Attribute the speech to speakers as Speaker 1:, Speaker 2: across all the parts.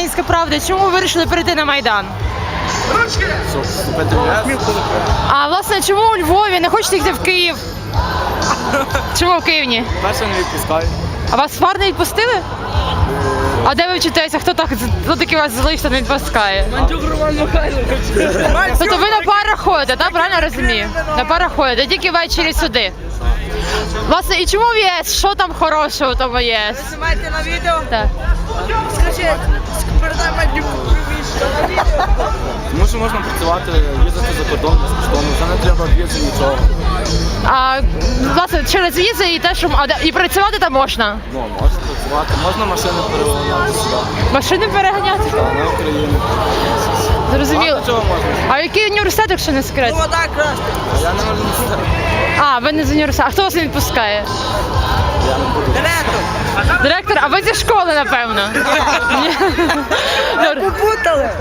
Speaker 1: Українська правда. Чому ви вирішили перейти на Майдан?
Speaker 2: Щоб вступити в ЄС.
Speaker 1: А власне, чому у Львові? Не хочете йти в Київ? Чому в Київ ні?
Speaker 2: Перше не відпускають.
Speaker 1: А вас в фар не відпустили? А де ви вчитеся? Хто такий вас залишиться, не відпускає? Тобто ви на парах ходите, так? Правильно я розумію? На парах ходите, тільки ввечері сюди. Власне, і чому в ЄС? Що там хорошого в тому ЄС?
Speaker 3: Знімайте на відео.
Speaker 1: Так.
Speaker 3: Скажіть, передай мені на відео.
Speaker 2: Тому що можна працювати, їздити за кордон безкоштовно, вже не треба в'їзду нічого.
Speaker 1: А власне, через візи і те, що і працювати там можна?
Speaker 2: Ну, можна працювати, можна машини переганяти сюди.
Speaker 1: Машини переганяти?
Speaker 2: Та, на Україну.
Speaker 1: Зрозуміло.
Speaker 2: Багато чого можна.
Speaker 1: А який університет, якщо не секрет?
Speaker 3: Вода красти.
Speaker 2: Я не можу не сказати.
Speaker 1: А, ви не з університету. А хто вас не відпускає?
Speaker 2: Я не буду.
Speaker 3: Директор.
Speaker 1: Директор, а ви зі школи, напевно? Ні. Добре.
Speaker 3: Попутали.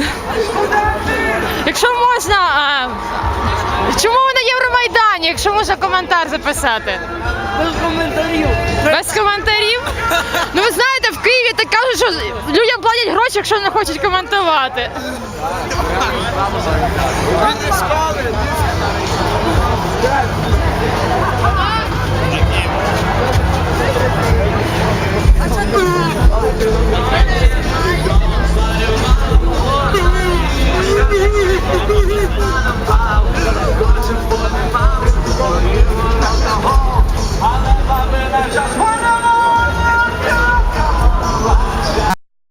Speaker 1: Якщо можна, чому ви на Євромайдані, якщо можна коментар записати?
Speaker 3: Без коментарів.
Speaker 1: Без коментарів? Ну ви знаєте, в Києві так кажуть, що людям платять гроші, якщо не хочуть коментувати.
Speaker 3: А це